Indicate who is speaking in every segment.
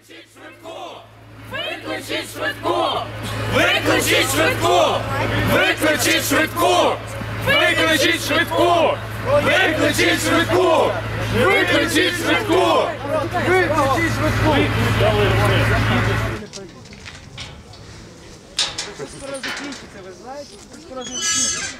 Speaker 1: Викличіть швидку! Викличіть швидку! Викличіть швидку! Викличіть швидку! Викличіть швидку! Викличіть швидку! Викличіть швидку!
Speaker 2: Це скоро закінчиться, ви знаєте? Це скоро закінчиться.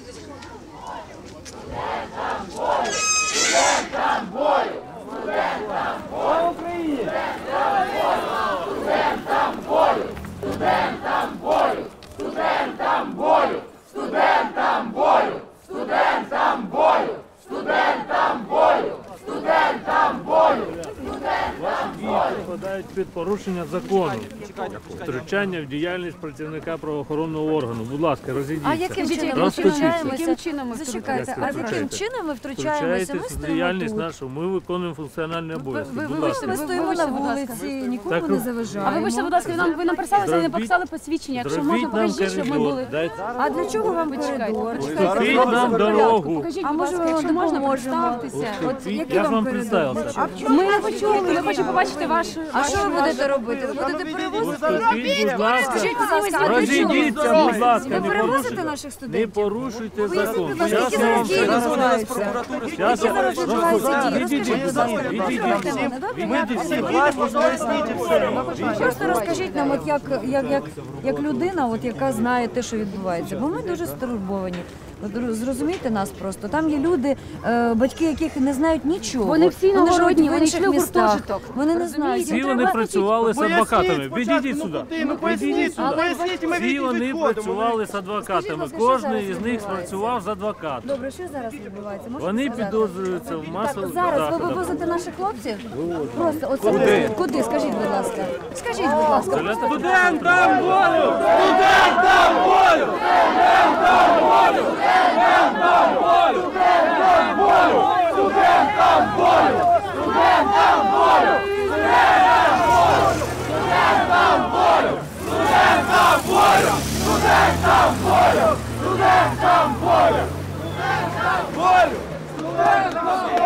Speaker 2: Студентам бою! Студентам бою! Студентам бою! Слава Україні! Студентам бою! Студентам бою! Студентам бою! Студентам бою! Студентам бою! Студентам бою! Студентам бою!
Speaker 3: Підпадають під порушення закону, втручання в діяльність працівника правоохоронного органу. Будь ласка, розійдіться.
Speaker 4: А яким чином ми втручаємося? Зачекайте, а яким чином ми втручаємося? Ми
Speaker 3: в
Speaker 4: стоїмо
Speaker 3: діяльність
Speaker 4: тут.
Speaker 3: нашу, ми виконуємо функціональні обов'язки. Будь ласка.
Speaker 4: Ми стоїмо на вулиці, нікому
Speaker 3: Так,
Speaker 4: не
Speaker 3: а
Speaker 4: заважаємо.
Speaker 5: А вибачте, будь ласка, ви нам представилися, але не показали посвідчення. Якщо можна,
Speaker 3: Зробіть нам
Speaker 5: покажіть, щоб ми
Speaker 3: коридор.
Speaker 5: були.
Speaker 4: А для чого вам коридор?
Speaker 3: Уступіть нам дорогу.
Speaker 5: Покажіть,
Speaker 4: А
Speaker 5: будь
Speaker 4: може
Speaker 5: ласка,
Speaker 4: ми
Speaker 5: якщо можна,
Speaker 4: допоможемо?
Speaker 5: представтеся.
Speaker 4: От який
Speaker 3: Я ж вам
Speaker 4: коридор?
Speaker 3: представився.
Speaker 5: Ми не почули, ми хочемо побачити вашу...
Speaker 4: А що ви будете робити? Ви будете перевозити?
Speaker 3: Уступіть, будь ласка.
Speaker 4: Скажіть, будь ласка, а для
Speaker 3: Розійдіться,
Speaker 4: чого?
Speaker 3: будь ласка,
Speaker 4: Ви
Speaker 3: не
Speaker 4: перевозите
Speaker 3: порушуйте.
Speaker 4: наших
Speaker 3: Не
Speaker 4: студентів?
Speaker 3: порушуйте
Speaker 4: Поясніть,
Speaker 3: закон.
Speaker 4: будь ласка,
Speaker 3: Зараз
Speaker 4: які
Speaker 3: я вам
Speaker 4: зараз дії
Speaker 3: все
Speaker 4: відбуваються?
Speaker 3: Зараз
Speaker 4: Які зараз відбуваються дії?
Speaker 3: Відійдіть,
Speaker 4: Розкажіть, будь
Speaker 3: будь
Speaker 4: ласка,
Speaker 3: ласка.
Speaker 4: послухайте мене, добре?
Speaker 3: Відійдіть всі.
Speaker 4: Просто розкажіть нам, от як людина, от яка знає те, що відбувається, бо ми дуже стурбовані. От зрозумійте нас просто. Там є люди, батьки, яких не знають нічого.
Speaker 5: Вони всі
Speaker 4: живуть
Speaker 5: іногородні,
Speaker 4: в
Speaker 5: вони
Speaker 4: інших
Speaker 5: йшли в
Speaker 4: містах.
Speaker 5: гуртожиток.
Speaker 4: Вони не знають.
Speaker 3: Всі вони працювали з адвокатами. Відійдіть сюди. Відійдіть сюди. Всі вони працювали з адвокатами. Кожен із них працював з адвокатом.
Speaker 4: Добре, що зараз відбувається? Можете
Speaker 3: Вони
Speaker 4: сказати?
Speaker 3: підозрюються в масових
Speaker 4: Зараз ви
Speaker 3: заходах.
Speaker 4: вивозите наших хлопців? Просто оце куди? Скажіть, будь ласка. Скажіть, будь ласка.
Speaker 3: Студентам волю! Студентам волю! Студентам волю! Студентам волю! Студентам волю! Студентам волю! Студентам волю! Студентам волю! Студентам волю! Студентам волю! Студентам волю! Студентам волю! Студентам волю!